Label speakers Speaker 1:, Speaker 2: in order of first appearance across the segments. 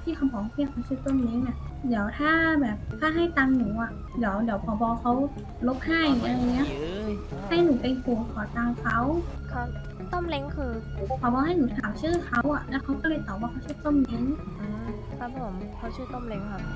Speaker 1: พี่เขาบอกพี่เขาชื่อต้นเล้งอ่ะเดี๋ยวถ้าให้ตังค์หนูอ่ะเดี๋ยวผบเขาลบให้อะไรเงี้ยให้หนูไปขู่ขอตังค์เขา
Speaker 2: เขาต้มเล้งคือ
Speaker 1: ผบให้หนูถามชื่อเขาอ่ะแล้วเขาก็เลยตอบว่าเขาชื่อต้นเล้ง
Speaker 2: อืมครับผมเขาชื่อต้มเล้งครับ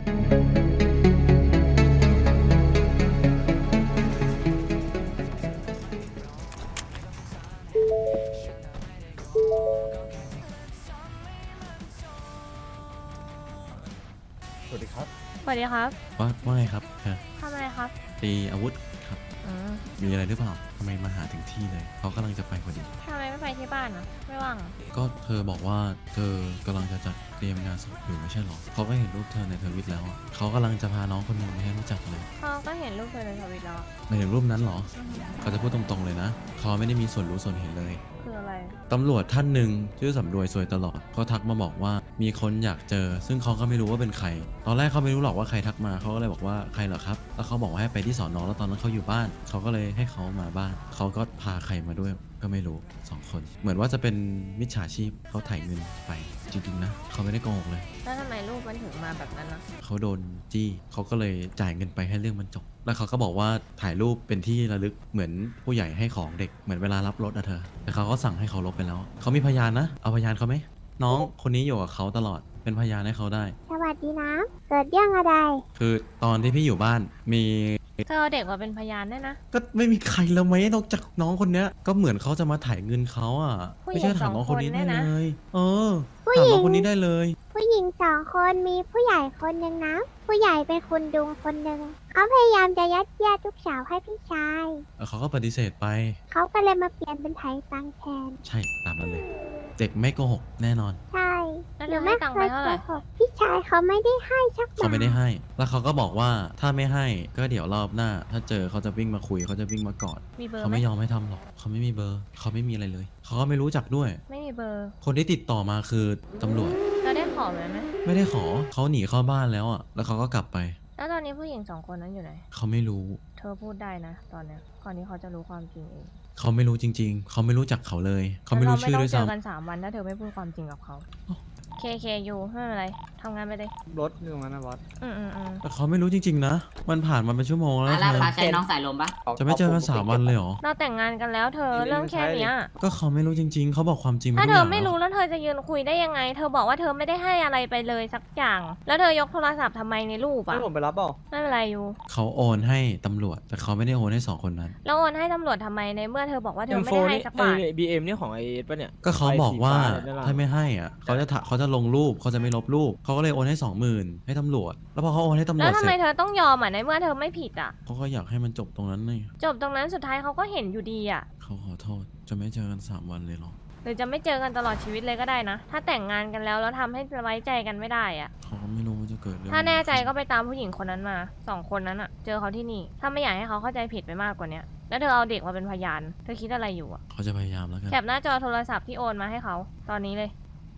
Speaker 3: สวัสดีครับ
Speaker 2: สวัสดีครับ
Speaker 4: ว่าไงครับ
Speaker 2: ทำอะไรครับ
Speaker 4: ตีอาวุธครับ
Speaker 2: อืม
Speaker 4: มีอะไรหรือเปล่าทำไมมาหาถึงที่เลย เขากำลังจะไปพอดี
Speaker 2: ทำไมไม่ไปที่บ้านอ่ะ ไม่ว่างเหรอ
Speaker 4: ก็เธอบอกว่าเธอกำลังจะจัดเตรียมงานศพอยู่ไม่ใช่หรอ เขาก็เห็นรูปเธอในทวิตแล้วอะเขากำลังจะพาน้องคนหนึ่งไปให้รู้จักเลย
Speaker 2: เขาก็เห็นรูปเธอในทวิตแล้วอะ
Speaker 4: หมายถึงรูปนั้นเหรอ เขาจะพูดตรงๆเลยนะ เขาไม่ได้มีส่วนรู้ส่วนเห็นเลย
Speaker 2: คืออะไร
Speaker 4: ตำรวจท่านหนึ่งชื่อสำรวยซวยตลอดเขาทักมาบอกว่ามีคนอยากเจอ ซึ่งเขาก็ไม่รู้ว่าเป็นใคร ตอนแรกเขาไม่รู้หรอกว่าใครทักมาเขาก็เลยบอกว่าใครเหรอครับ แล้วเขาบอกว่าให้ไปที่สอนอแล้วตอนนั้นเขาอยู่บ้าน เขาก็เลยให้เขามาบ้าน เขาก็พาใครมาด้วยก็ไม่รู้2 คน เหมือนว่าจะเป็นมิจฉาชีพเขาถ่ายเงินไปจริงๆนะเขาไม่ได้โกหกเลย
Speaker 2: แล้วทำไมรูปมันถึงมาแบบนั้นนะ
Speaker 4: เขาโดนจี้เขาก็เลยจ่ายเงินไปให้เรื่องมันจบ แล้วเขาก็บอกว่าถ่ายรูปเป็นที่ระลึกเหมือนผู้ใหญ่ให้ของเด็กเหมือนเวลารับรถอะเธอ แต่เขาก็สั่งให้เขาลบไปแล้ว เขามีพยานนะ เอาพยานเขาไหม น้องคนนี้อยู่กับเขาตลอด เป็นพยานให้เขาได้
Speaker 5: สวัสดีนะ เกิดเรื่องอะไร
Speaker 4: คือตอนที่พี่อยู่บ้านมี
Speaker 2: เธอเอาเด็กมาเป็นพยานได้วยนะ
Speaker 4: ก็ไม่มีใครแล้วไหมนอกจากน้องคนเนี้ย ก็เหมือนเขาจะมาถ่ายเงินเขาอ่ะ
Speaker 2: ผู้หญิง
Speaker 4: ไม่ใช่ถามน้องคนนี้ได้
Speaker 2: 2 คนเนี่ย
Speaker 4: เล
Speaker 2: นะ
Speaker 4: ย เออ ถามน้องคนนี้ได้เลย
Speaker 5: ผู้หญิง2 คนมีผู้ใหญ่คนหนึ่งนะ ผู้ใหญ่เป็นคุณดุงคนหนึ่งเขาพยายามจะยัดเยียดลูกสาวให้พี่ชาย
Speaker 4: แล้วเขาก็ปฏิเสธไป
Speaker 5: เขาก็เลยมาเปลี่ยนเป็นไถตังแทน
Speaker 4: ใช่ตามนั้นเลย เด็กไม่โกหกแน่นอน
Speaker 5: ใช่
Speaker 2: แล้ว
Speaker 5: ห
Speaker 2: เธ
Speaker 5: นู
Speaker 2: อให้
Speaker 5: ไม่
Speaker 2: ตังค์
Speaker 5: เค
Speaker 2: ไป
Speaker 5: ย
Speaker 2: เท่า
Speaker 5: โก
Speaker 2: ไหร่
Speaker 5: หกพี่ชายเขาไม่ได้ให้สักบาท
Speaker 4: เขาไม่ได้ให้ แล้วเขาก็บอกว่าถ้าไม่ให้ก็เดี๋ยวรอบหน้า ถ้าเจอเขาจะวิ่งมาคุยเขาจะวิ่งมากอด
Speaker 2: มีเบอร์
Speaker 4: เขา
Speaker 2: ไหม
Speaker 4: ไม่ยอมให้ทำหรอก เขาไม่มีเบอร์ เขาไม่มีอะไรเลย เขาก็ไม่รู้จักด้วย
Speaker 2: ไม่มีเบอร์
Speaker 4: คนที่ติดต่อมาคือตำรวจ
Speaker 2: เราได้ขอไหม
Speaker 4: ไม่ได้ขอ เขาหนีเข้าบ้านแล้วอ่ะ แล้วเขาก็กลับไป
Speaker 2: แล้วตอนนี้ผู้หญิง2 คนนั้นอยู่ไหน
Speaker 4: เขาไม่รู้
Speaker 2: เธอพูดได้นะ ตอนเนี้ยก่อนที่เขาจะรู้ความจริงเอง
Speaker 4: เขาไม่รู้จริง ๆ เขาไม่รู้จักเขาเลย เขาไม่รู้ชื่อด้วย
Speaker 2: เราไม่ต้องเจอ
Speaker 4: ซ้ำ
Speaker 2: กัน3 วันถ้าเธอไม่พูดความจริงกับเขา
Speaker 4: อ๋อ
Speaker 2: เคอยู่ไม่เป็นไรทำงานไปเลย
Speaker 3: รถอยู่ตรงนั้นนะบอส
Speaker 2: อืม
Speaker 4: แต่เขาไม่รู้จริง ๆ นะ มันผ่านมาเป็นชั่วโมงแล้ว
Speaker 6: อา
Speaker 4: เธ
Speaker 6: รา
Speaker 4: อ
Speaker 6: คาใช้น้องสายลมปะ
Speaker 4: จะไม่เจอกัน3 วันเลยเหรอ
Speaker 2: เราแต่งงานกันแล้วเธอเรื่องแค่เนี้ย
Speaker 4: ก็เขาไม่รู้จริง ๆ เขาบอกความจริง
Speaker 2: ถ้า
Speaker 4: ทุก
Speaker 2: เธ
Speaker 4: อ
Speaker 2: อย่าง ไม่รู้
Speaker 4: แล้ว
Speaker 2: แล้วเธอจะยืนคุยได้ยังไง เธอบอกว่าเธอไม่ได้ให้อะไรไปเลยสักอย่าง แล้วเธอยกโทรศัพท์ทำไมในรูป
Speaker 3: ให้
Speaker 2: อ่ะ
Speaker 3: ผมไปรับเปล่า
Speaker 2: ไม่เป็นไรอยู่
Speaker 4: เขาโอนให้ตำรวจ แต่เขาไม่ได้โอนให้2 คนนั้น
Speaker 2: แล้วโอนให้ตำรวจทำไมในเมื่อเธอบอกว่าเธอไม่ได้ให้สักบาท
Speaker 3: บีเอ็มนี่ของไอเอสป่ะเนี่ย
Speaker 4: ก็เขาบอกว่า
Speaker 3: ไฟสีฟ้เนี่ยนะ
Speaker 4: ถ้าไม่ให้อ่ะเขาจะลงรูปเขาจะไม่ลบรูปเขาก็เลยโอนให้ 20,000ให้ตำรวจ แล้วพอเขาโอนให้ตำร
Speaker 2: แล้ว ว
Speaker 4: จ
Speaker 2: ทำ
Speaker 4: เส
Speaker 2: ไม
Speaker 4: ร็จ
Speaker 2: เธอต้องยอมอ่ะในเมื่อเธอไม่ผิดอ่ะ
Speaker 4: เขาก็อยากให้มันจบตรงนั้นเลย
Speaker 2: จบตรงนั้นสุดท้ายเขาก็เห็นอยู่ดีอ่ะ
Speaker 4: เขาขอโทษจะไม่เจอกัน3 วันเลยเหรอ
Speaker 2: หรือจะไม่เจอกันตลอดชีวิตเลยก็ได้นะ ถ้าแต่งงานกันแล้วแล้วทำให้ไว้ใจกันไม่ได้อ่ะ
Speaker 4: เขาก็ไม่รู้ว่าจะเกิดเรื่อง
Speaker 2: ถ้าแน่ใจก็ไปตามผู้หญิงคนนั้นมา2 คนนั้นอ่ะ เจอเขาที่นี่ ถ้าไม่อยากให้เขาเข้าใจผิดไปมากกว่าเนี้ยแล้วเธอเอาเด็กมาเป็นพยาน เธอคิดอะไรอยู่อ่ะ
Speaker 4: เขาจะพยายามแล้วกัน
Speaker 2: แคปหน้าจอโทรศัพท์ที่โอนมาให้เขาตอนนี้เลย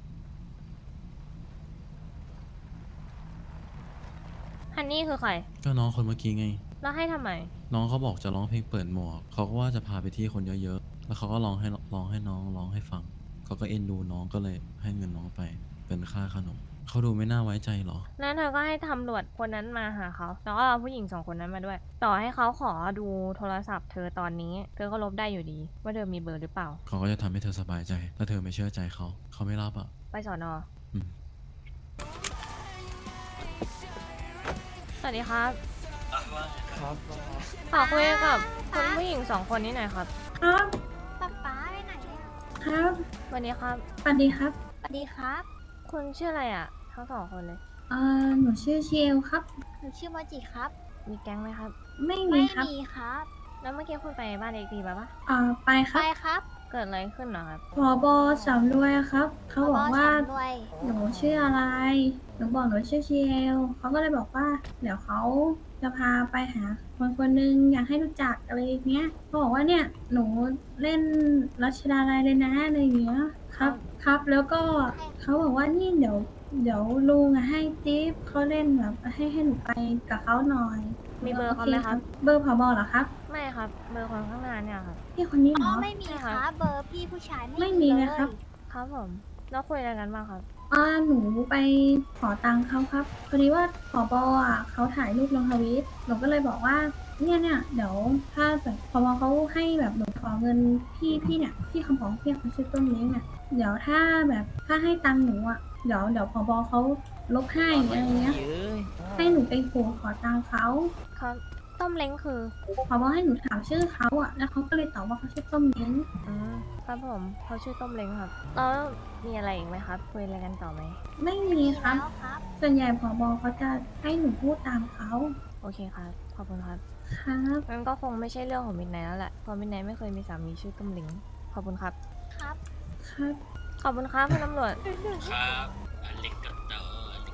Speaker 2: ฮันนี่คือใคร
Speaker 4: ก็น้องคนเมื่อกี้ไง
Speaker 2: แล้วให้ทำไม
Speaker 4: น้องเขาบอกจะร้องเพลงเปิดหมวกเขาก็ว่าจะพาไปที่คนเยอะๆแล้วเขาก็ร้องให้น้องร้องให้ฟังเขาก็เอ็นดูน้องก็เลยให้เงินน้องไปเป็นค่าขนมเขาดูไม่น่าไว้ใจหรอ
Speaker 2: แล้วเธอก็ให้ตำรวจคนนั้นมาหาเขาแล้วก็เอาผู้หญิง2 คนนั้นมาด้วย ต่อให้เขาขอดูโทรศัพท์เธอตอนนี้ เธอก็ลบได้อยู่ดี ว่าเธอมีเบอร์หรือเปล่า
Speaker 4: เขาก็จะทำให้เธอสบายใจถ้าเธอไม่เชื่อใจเขาไม่รับอ่ะ
Speaker 2: ไปสอนอ
Speaker 4: อืม
Speaker 2: สวัสดีครับ
Speaker 3: ครับ
Speaker 2: ขอคุยกับคุณผู้หญิง2 คนนี้หน่อยครับ
Speaker 1: ครับ
Speaker 5: ป๊าป๊าไปไหนอะ
Speaker 1: ครับ
Speaker 2: สวัสดีครับ
Speaker 1: สวัสดีครับ
Speaker 5: สวัสดีครับ
Speaker 2: คุณชื่ออะไรอ่ะ ทั้ง2 คนเลย
Speaker 1: หนูชื่อเชลครับ
Speaker 5: หนูชื่อโมจิครับ
Speaker 2: มีแก๊งไหมครับ
Speaker 1: ไม่มี
Speaker 5: ไม่
Speaker 1: ครับ
Speaker 5: มีครับ
Speaker 2: แล้วเมื่อกี้คุณไปบ้านเอกดีป่ะปะ
Speaker 1: ไปค
Speaker 5: ไป
Speaker 1: รับ
Speaker 5: ครับ
Speaker 2: เกิดอะไรขึ้นเหรอครับ
Speaker 1: ผบสำรวยครับ เขาบอกว่า
Speaker 5: พ่ฉันด้วย
Speaker 1: หนูชื่ออะไร หนูบอกหนูชื่อเชลเขาก็เลยบอกว่า เดี๋ยวเขาจะพาไปหาคนคนหนึงอยากให้รู้จักอะไรอย่างเงี้ยเขาบอกว่าเนี่ยหนูเล่นรัชดาลัยเลยนะอะไรอย่างเงี้ยครับ ครับ แล้วก็เขาบอกว่านี่เดี๋ยวลุงอะให้จิ๊บเขาเล่นแบบให้หนูไปกับเขาหน่อย
Speaker 2: มีเบอร์เขาไหมครับ
Speaker 1: เบอร์ผบเหรอครับ
Speaker 2: ไม่ครับ เบอร์คนข้างหน้าเนี่ยครับ
Speaker 1: พี่คนนี้เหร
Speaker 5: อ๋อ
Speaker 1: อ
Speaker 5: ไม่มีครับ เบอร์พี่ผู้ชาย
Speaker 1: ไม่มีเลยครับ
Speaker 2: ครับผม แล้วคุยอะไรกันบ้างครับ
Speaker 1: หนูไปขอตังค์เขาครับพอดีว่าผบอ่ะเขาถ่ายรูปลงทวิตหนูก็เลยบอกว่าเนี่ยเดี๋ยวถ้าแบบผบเขาให้แบบหนูขอเงินพี่เนี่ยพี่คำของพี่เขาชื่อต้นเล้งเนี่ยเดี๋ยวถ้าให้ตังค์หนูอ่ะเดี๋ยวผบเขาลบให้อะไรเงี้ยให้หนูไปขอตังค์เขา
Speaker 2: เขาต้มเล้งคือ
Speaker 1: ผบให้หนูถามชื่อเขาอ่ะแล้วเขาก็เลยตอบว่าเขาชื่อต้มเล้ง
Speaker 2: อืมครับผมเขาชื่อต้มเล้งครับแล้วมีอะไรอีกไหมครับคุยอะไรกันต่อไหม
Speaker 1: ไม่มีครับ ส่วนใหญ่ผบเขาจะให้หนูพูดตามเขา
Speaker 2: โอเคครับขอบคุณครับ
Speaker 1: ครับ
Speaker 2: งั้นก็คงไม่ใช่เรื่องของมิดไนท์แล้วแหละเพราะมิดไนท์ไม่เคยมีสามีชื่อต้มเล้งขอบคุณครับ
Speaker 1: ครับ
Speaker 2: ขอบคุณครับคุณตำรวจ
Speaker 6: ครับอเล็กกัตเตอร์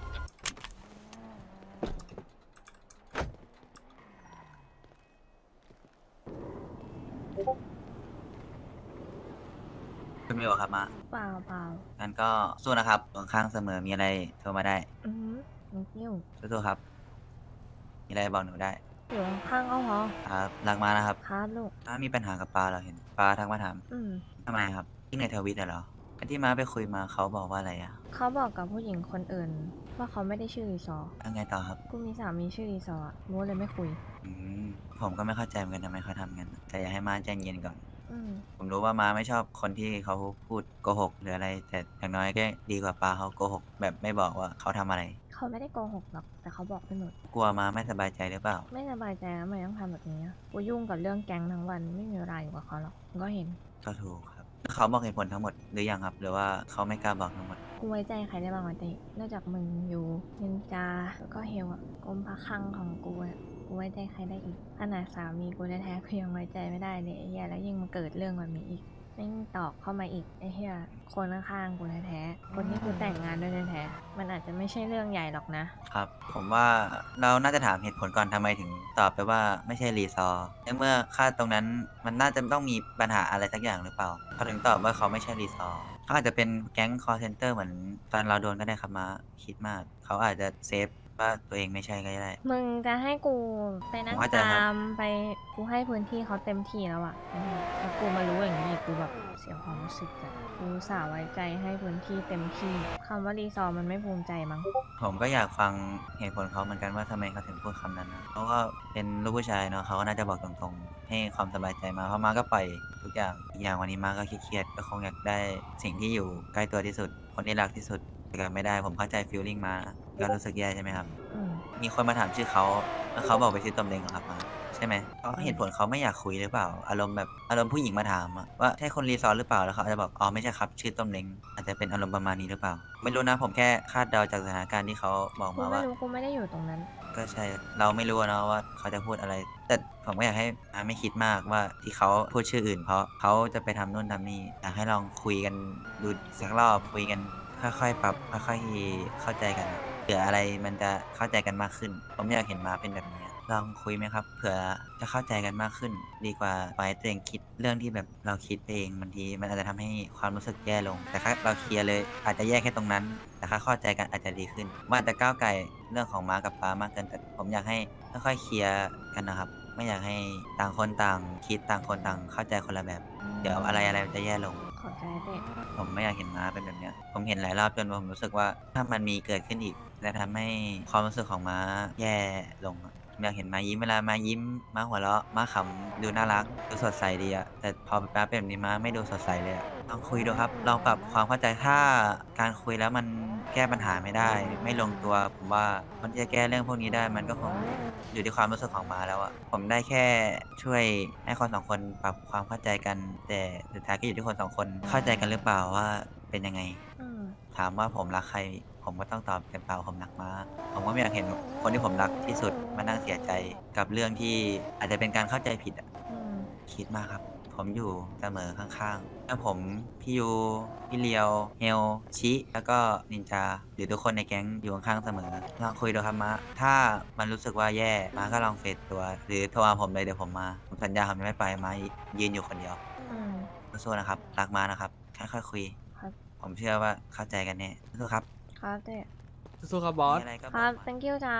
Speaker 6: คุณมิวครับมา
Speaker 2: เปล่าเปล่า
Speaker 6: งั้นก็สู้นะครับตรงข้างเสมอมีอะไรโทรมาได้
Speaker 2: อืม thank you
Speaker 6: สู้ๆครับ มีอะไรบอกหนูได้
Speaker 2: อยู่ข้างๆก็พอ
Speaker 6: ครับรักมานะครับ
Speaker 2: ครับลูก
Speaker 6: ถ้ามีปัญหากับปลาเราเห็นปลาทักมาถาม
Speaker 2: อืม
Speaker 6: ทำไมครับที่ในทวิตเหรอไอ้ที่ม้าไปคุยมาเขาบอกว่าอะไรอะ
Speaker 2: เขาบอกกับผู้หญิงคนอื่น ว่าเขาไม่ได้ชื่อรีซอร์
Speaker 6: ยังไงต่อครับ
Speaker 2: กูมีสามีชื่อรีซอร์อะมูเลยไม่คุย
Speaker 6: อืมผมก็ไม่เข้าใจเหมือนกันทำไมเขาทำกัน แต่อยากให้ม้าใจเย็นก่อน
Speaker 2: อืม
Speaker 6: ผมรู้ว่าม้าไม่ชอบคนที่เขาพูดโกหกหรืออะไร แต่อย่างน้อยก็ดีกว่าปลาเขาโกหกแบบไม่บอกว่าเขาทำอะไร
Speaker 2: เขาไม่ได้โกหกหรอก แต่เขาบอกไปหมด
Speaker 6: กลัวม้าไม่สบายใจหรือเปล่า
Speaker 2: ไม่สบายใจแล้วทำไมต้องทำแบบนี้อะกูยุ่งกับเรื่องแก๊งทั้งวันไม่มีเวลาอยู่กับเขาหรอกมึงก็เห็น
Speaker 6: ก็ถูกครับเขาบอกเหตุผลทั้งหมดหรือยังครับ หรือว่าเขาไม่กล้าบอกทั้งหมด
Speaker 2: กูไว้ใจใครได้บ้างวะเต้นอกจากมึงอยู่นินจาแล้วก็เฮลอะกรมพระคลังของกูอะกูไว้ใจใครได้อีกขนาดสามีกูแท้ๆกูยังไว้ใจไม่ได้เลยไอ้เหี้ยแล้วยิ่งมาเกิดเรื่องแบบนี้อีกแม่งตอกเข้ามาอีกไอ้เหี้ยคนข้างๆกูแท้ๆคนที่กูแต่งงานด้วยแท้ๆมันอาจจะไม่ใช่เรื่องใหญ่หรอกนะ
Speaker 6: ครับ ผมว่าเราน่าจะถามเหตุผลก่อนทำไมถึงตอบไปว่าไม่ใช่รีซอร์ในเมื่อค่าตรงนั้นมันน่าจะต้องมีปัญหาอะไรสักอย่างหรือเปล่าเขาถึงตอบว่าเขาไม่ใช่รีซอร์เขาอาจจะเป็นแก๊งคอร์เซนเตอร์เหมือนตอนเราโดนก็ได้ครับมาคิดมาก เขาอาจจะเซฟว่าตัวเองไม่ใช่ก็ได้
Speaker 2: มึงจะให้กูไปนั่ง
Speaker 6: ผมเข้าใจครับ
Speaker 2: ตามไปกูให้พื้นที่เขาเต็มที่แล้วอะแล้วกูมารู้อย่างนี้อีกกูแบบเสียความรู้สึกอะกูอุตสาห์ไว้ใจให้พื้นที่เต็มที่คำว่ารีซอร์มันไม่ภูมิใจมั้ง
Speaker 6: ผมก็อยากฟังเหตุผลเขาเหมือนกันว่าทำไมเขาถึงพูดคำนั้นนะเพราะว่าเป็นลูกผู้ชายเนาะเขาก็น่าจะบอกตรงๆ ให้ความสบายใจมาเพราะมาก็ปล่อยทุกอย่างอีกอย่างวันนี้มาก็เครียดๆก็คงอยากได้สิ่งที่อยู่ใกล้ตัวที่สุด คนที่รักที่สุดแต่ก็ไม่ได้ผมเข้าใจฟีลลิ่งมาก็รู้สึกแย่ใช่ไหมครับ
Speaker 2: อืม
Speaker 6: มีคนมาถามชื่อเขาแล้วเขาบอกไปชื่อตมเลงเหรอครับมาใช่ไหมเพราะเหตุผลเขาไม่อยากคุยหรือเปล่า อารมณ์แบบอารมณ์ผู้หญิงมาถามอะว่าใช่คนรีซอร์หรือเปล่าแล้วเขาอาจจะบอกอ๋อไม่ใช่ครับชื่อต้มเล้งอาจจะเป็นอารมณ์ประมาณนี้หรือเปล่า ไม่รู้นะผมแค่คาดเดาจากสถานการณ์ที่เขาบอก
Speaker 2: กู
Speaker 6: มา
Speaker 2: ไม่
Speaker 6: ว่า
Speaker 2: รู้กูไม่ได้อยู่ตรงนั้น
Speaker 6: ก็ใช่เราไม่รู้อะเนาะว่าเขาจะพูดอะไร แต่ผมก็อยากให้ไม่คิดมากว่าที่เขาพูดชื่ออื่น เพราะเขาจะไปทำนู่นทำนี่อยากให้ลองคุยกันดูสักรอบคุยกันค่อยๆปรับค่อยๆเข้าใจกันเผื่ออะไรมันจะเข้าใจกันมากขึ้น ผมอยากเห็นมาเป็นแบบนี้ลองคุยไหมครับเผื่อจะเข้าใจกันมากขึ้น ดีกว่าปล่อยให้ตัวเองคิดเรื่องที่แบบเราคิดไปเองบางทีมันอาจจะทำให้ความรู้สึกแย่ลง แต่ถ้าเราเคลียร์เลยอาจจะแย่แค่ตรงนั้น แต่ถ้าเข้าใจกันอาจจะดีขึ้นว่าแต่ก้าวไกลเรื่องของม้ากับป้ามากเกินแต่ผมอยากให้ค่อยๆเคลียร์กันนะครับ ไม่อยากให้ต่างคนต่างคิดต่างคนต่างเข้าใจคนละแบบ เดี๋ยวอะไรมันจะแย่ลง
Speaker 2: ขอบใจเต้
Speaker 6: ผมไม่อยากเห็นม้าเป็นแบบเนี้ย ผมเห็นหลายรอบจนผมรู้สึกว่าถ้ามันมีเกิดขึ้นอีกจะทำให้ความรู้สึกของม้าแย่ลงอะผมอยากเห็นม้ายิ้มเวลาม้ายิ้มม้าหัวเราะม้าขำดูน่ารักดูสดใสดีอะแต่พอม้าเป็นแบบนี้ม้าไม่ดูสดใสเลยอะลองคุยดูครับลองปรับความเข้าใจถ้าการคุยแล้วมันแก้ปัญหาไม่ได้ ไม่ลงตัวผมว่าคนที่จะแก้เรื่องพวกนี้ได้มันก็คงอยู่ที่ความรู้สึกของม้าแล้วอะผมได้แค่ช่วยให้คนสองคนปรับความเข้าใจกัน แต่สุดท้ายก็อยู่ที่คนสองคนเข้าใจกันหรือเปล่าว่าเป็นยังไง
Speaker 2: อืม
Speaker 6: ถามว่าผมรักใคร ผมก็ต้องตอบเต็มปากว่าผมรักม้า ผมก็ไม่อยากเห็นคนที่ผมรักที่สุดมานั่งเสียใจกับเรื่องที่อาจจะเป็นการเข้าใจผิดอะ
Speaker 2: อืม
Speaker 6: คิดมากครับ ผมอยู่เสมอข้างๆถ้าผมพี่ยูพี่เลียวเฮลชิแล้วก็นินจาหรือทุกคนในแก๊งอยู่ข้างๆเสมอลองคุยดูครับม้าถ้ามันรู้สึกว่าแย่ม้าก็ลองเฟดตัว หรือโทรหาผมเลยเดี๋ยวผมมาผมสัญญาผมจะไม่ไปม้ายืนอยู่คนเดียว
Speaker 2: อืม
Speaker 6: สู้ๆนะครับรักม้านะครับค่อยๆคุย
Speaker 2: ครับ
Speaker 6: ผมเชื่อว่าเข้าใจกันแน่สู้ๆครับ
Speaker 2: ครับเต้
Speaker 3: สู้ครับบอส
Speaker 6: มีอะไรก็บ
Speaker 2: ค
Speaker 6: อก
Speaker 2: รับ
Speaker 6: มา
Speaker 2: thank you จ้า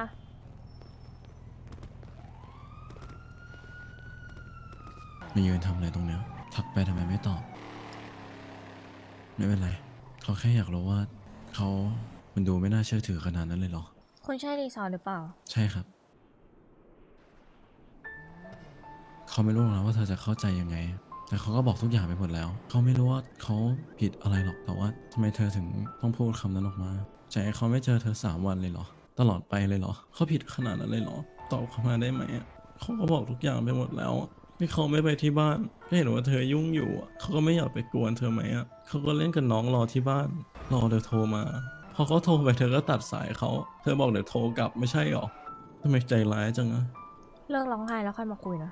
Speaker 4: มายืนทำอะไรตรงเนี้ยทักไปทำไมไม่ตอบ ไม่เป็นไร เขาแค่อยากรู้ว่าเขามันดูไม่น่าเชื่อถือขนาดนั้นเลยเหรอ
Speaker 2: คุณใช่รีซอร์หรือเปล่า
Speaker 4: ใช่ครับ เขาไม่รู้หรอกนะว่าเธอจะเข้าใจยังไง แต่เขาก็บอกทุกอย่างไปหมดแล้ว เขาไม่รู้ว่าเขาผิดอะไรหรอก แต่ว่าทำไมเธอถึงต้องพูดคำนั้นออกมาใจเขาไม่เจอเธอ3 วันเลยเหรอ ตลอดไปเลยเหรอ เขาผิดขนาดนั้นเลยเหรอ ตอบเขามาได้ไหมอะเขาก็บอกทุกอย่างไปหมดแล้วอะที่เขาไม่ไปที่บ้านก็เห็นว่าเธอยุ่งอยู่อะเขาก็ไม่อยากไปกวนเธอไหมอะเขาก็เล่นกับน้องรอที่บ้าน รอเธอโทรมา พอเขาโทรไปเธอก็ตัดสายเขา เธอบอกเดี๋ยวโทรกลับไม่ใช่หรอทำไมใจร้ายจังอะ
Speaker 2: เลิกร้องไห้แล้วค่อยมาคุยนะ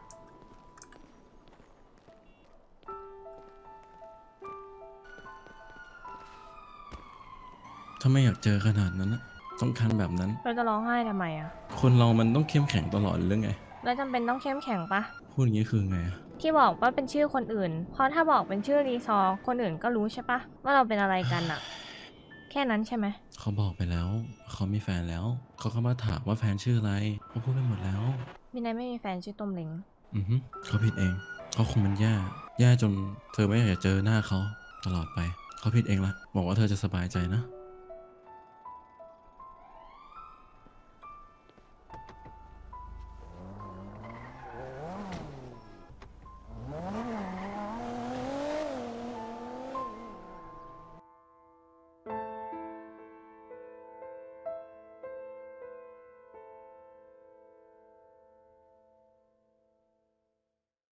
Speaker 4: ถ้าไม่อยากเจอขนาดนั้นนะสำคัญแบบนั้น
Speaker 2: เราจะร้องไห้ทำไมอะ
Speaker 4: คนเรามันต้องเข้มแข็งตลอดหรือไง
Speaker 2: แล้วจำเป็นต้องเข้มแข็งปะ
Speaker 4: พูดอย่างนี้คือไงอะ
Speaker 2: ที่บอกว่าเป็นชื่อคนอื่น เพราะถ้าบอกเป็นชื่อรีซอร์คนอื่นก็รู้ใช่ปะว่าเราเป็นอะไรกันอะแค่นั้นใช่ไหม
Speaker 4: เขาบอกไปแล้ว เขามีแฟนแล้ว เขาก็มาถามว่าแฟนชื่ออะไร เขาพูดไปหมดแล้ว
Speaker 2: มินายไม่มีแฟนชื่อต้มเล้ง
Speaker 4: เขาผิดเอง เขาคงมันแย่จนเธอไม่อยากจะเจอหน้าเขาตลอดไป เขาผิดเองละบอกว่าเธอจะสบายใจนะ